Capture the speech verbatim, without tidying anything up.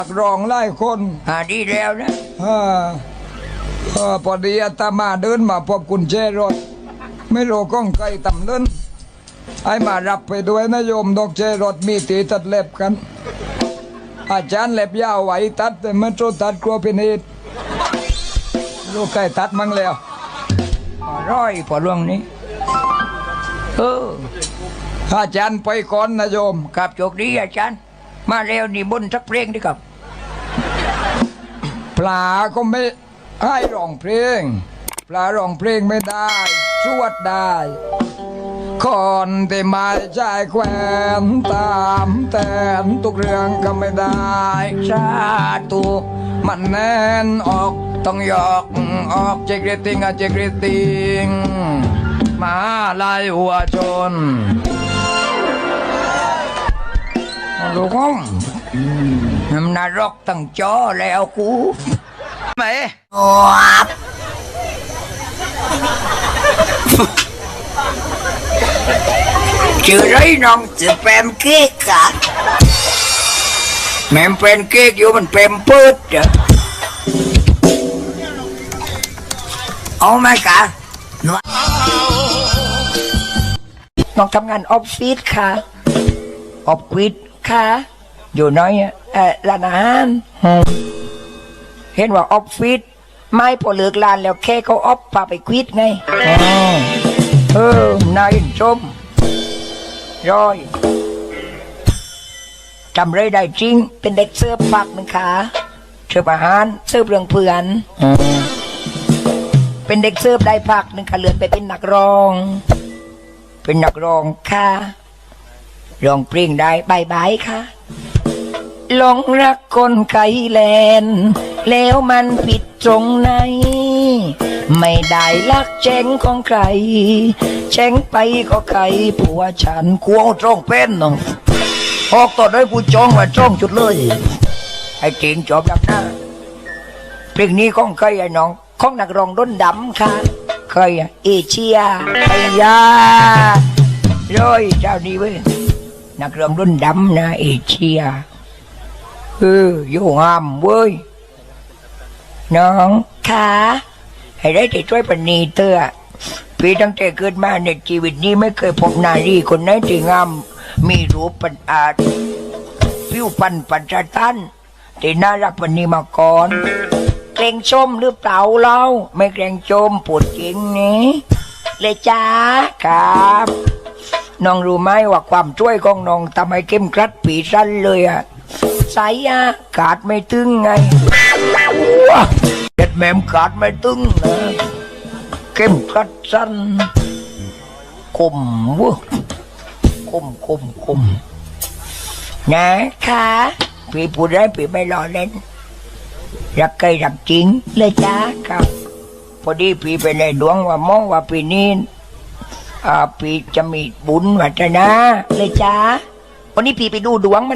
รองไล่คนหาดีแล้วนะเออเออพอดีอาตมาเดินมาพบกุญแจรถไม่รู้ก้องไกลต่ำเดินไอ้มารับไปด้วยนะโยมดอกเจรถมีตีตัดเล็บกัน อาจารย์เล็บยาวไหวตัดแต่มันโจตัดกลัวเป็นเหตุลูกไก่ตัดมั้งแล้วร้อยพอล่วงนี้เอออาจารย์ไปก่อนนะโยมครับโชคดีอาจารย์มาแล้วนี่บนสักเพลงดีครับปลาก็ไม่ให้ร้องเพลงปลาร้องเพลงไม่ได้สวดได้คนที่มาใจแควนตามแต่ทุกเรื่องก็ไม่ได้ชาตุมันแน่นออกต้องยอกออกเจกริติงอะเจกริติงมาลายหัวชนลูกห้องมันนรกตั้งจอแล้วกูไหมชื่อไรน้องชื่อแปมเค้กอะแม่เป็นเค้กอยู่มันเป็นปืดจ้ะเอาไหมกะน้องทำงานออฟฟิศค่ะออฟฟิศค่ะอยู่น้อยเออร้านอาหารเห็นว่าออฟฟิศไม่พอเลิกร้านแล้วแค่เขาออฟพาไปควิดไงเออนายชมร้อยจำเลยได้จริงเป็นเด็กเสื้อปักหนึ่งขาเสื้ออาหารเสื้อเรื่องเพื่อนเป็นเด็กเสื้อได้พักหนึ่งขาเลื่อนไปเป็นนักร้องเป็นนักร้องค่ะร้องเพลงได้บายบายค่ะหลงรักคนไกลแลนแล้วมันผิดตรงไหนไม่ได้รักแจ้งของใครแจ้งไปก็ใครผัวฉันกลัวจ้องเป็นน้องออกต่อได้กูจ้องว่าจ้องจุดเลยไอ้เก่งจบแล้วนะเพลงนี้ของใครไอ้น้องของนักร้องด้นดำค่ะใครเอเชียไอ้ยาร้อยเจ้านี้เว้ยนักร้องรุ่นดำนะเอเชียเออโยงามเว้ยน้องค่ะให้ได้แต่ช่วยปณีเตอร์พี่ตั้งแต่เกิดมาในชีวิตนี้ไม่เคยพบนารีคนไหนที่งามมีรูปปัญอาจผิวพรรณปัญจตันที่น่ารักปณีมาก่อนเกรงชมหรือเปล่าเราไม่เกรงชมปวดจริงนี้เลยจ้าครับน้องรู้ไหมว่าความช่วยของน้องทำให้เข้มกรัดปีสั้นเลยอ่ะสายอากาศไม่ตึงไงเด็ดแม่มกาดไม่ตึงนะเข้มกรัดสั้นคมวะคมคมคมนะคะพี่พูดได้พี่ไม่รอเล่นรักใครรักจริงเลยจ้าครับพอดีพี่ไปในดวงว่ามองว่าปีนี้อ่าพี่จะมีบุญวัฒนาเลยจ้าวันนี้พี่ไปดูดวง